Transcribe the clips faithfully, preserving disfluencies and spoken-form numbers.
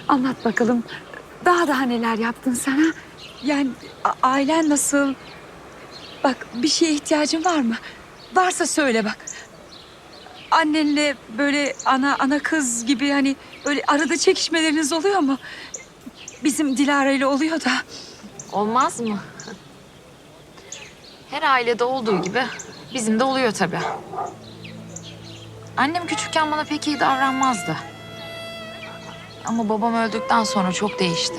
Anlat bakalım. Daha daha neler yaptın sana? Yani a- ailen nasıl? Bak, bir şeye ihtiyacın var mı? Varsa söyle bak. Annenle böyle ana ana kız gibi hani böyle arada çekişmeleriniz oluyor mu? Bizim Dilara ile oluyor da. Olmaz mı? Her ailede olduğu gibi bizim de oluyor tabii. Annem küçükken bana pek iyi davranmazdı. Ama babam öldükten sonra çok değişti.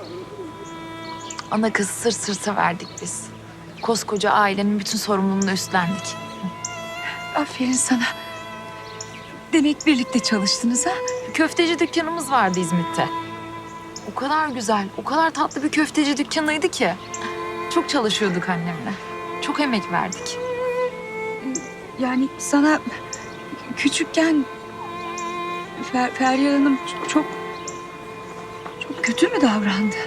Ana kız sırt sırta verdik biz. Koskoca ailenin bütün sorumluluğunu üstlendik. Aferin sana. Demek birlikte çalıştınız ha? Köfteci dükkanımız vardı İzmit'te. O kadar güzel, o kadar tatlı bir köfteci dükkanıydı ki. Çok çalışıyorduk annemle. Çok emek verdik. Yani sana küçükken Fer Feryal Hanım çok, çok çok kötü mü davrandı?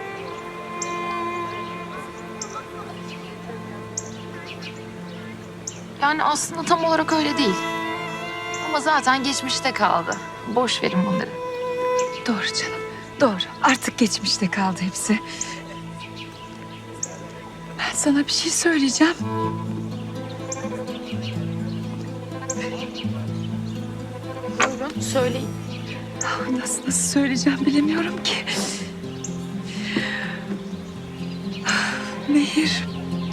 Yani aslında tam olarak öyle değil. Ama zaten geçmişte kaldı. Boş verin bunları. Doğru canım, doğru. Artık geçmişte kaldı hepsi. Ben sana bir şey söyleyeceğim. Buyurun, söyleyin. Nasıl nasıl söyleyeceğim bilemiyorum ki. Nehir.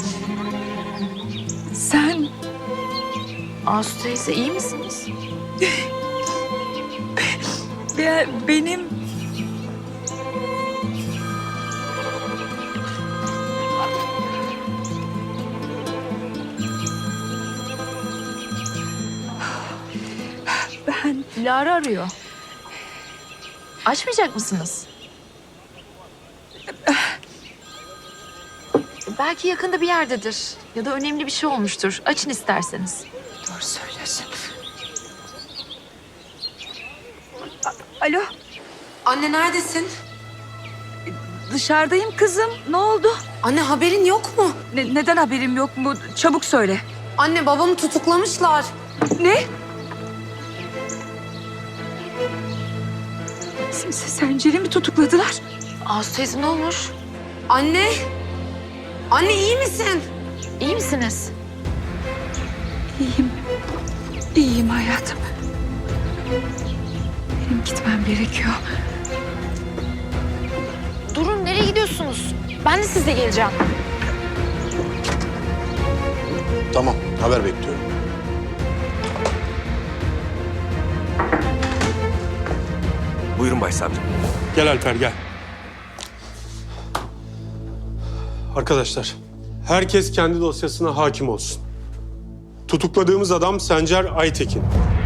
Sen Asu teyze iyi misiniz? be- benim ben Dilara arıyor. Açmayacak mısınız? Belki yakında bir yerdedir. Ya da önemli bir şey olmuştur. Açın isterseniz. doğru söylüyorsun. A- Alo, Anne neredesin? dışarıdayım kızım. Ne oldu? Anne haberin yok mu? Ne- neden haberim yok mu? Çabuk söyle. Anne babamı tutuklamışlar. Ne? Sen, Sencer'i mi tutukladılar? Asu teyze ne olmuş? Anne. Anne iyi misin? İyi misiniz? İyiyim. İyiyim hayatım. Benim gitmem gerekiyor. Durun, nereye gidiyorsunuz? Ben de sizle geleceğim. Tamam, haber bekliyorum. Buyurun başsavcım. Gel Alper gel. Arkadaşlar, herkes kendi dosyasına hakim olsun. Tutukladığımız adam Sencer Aytekin.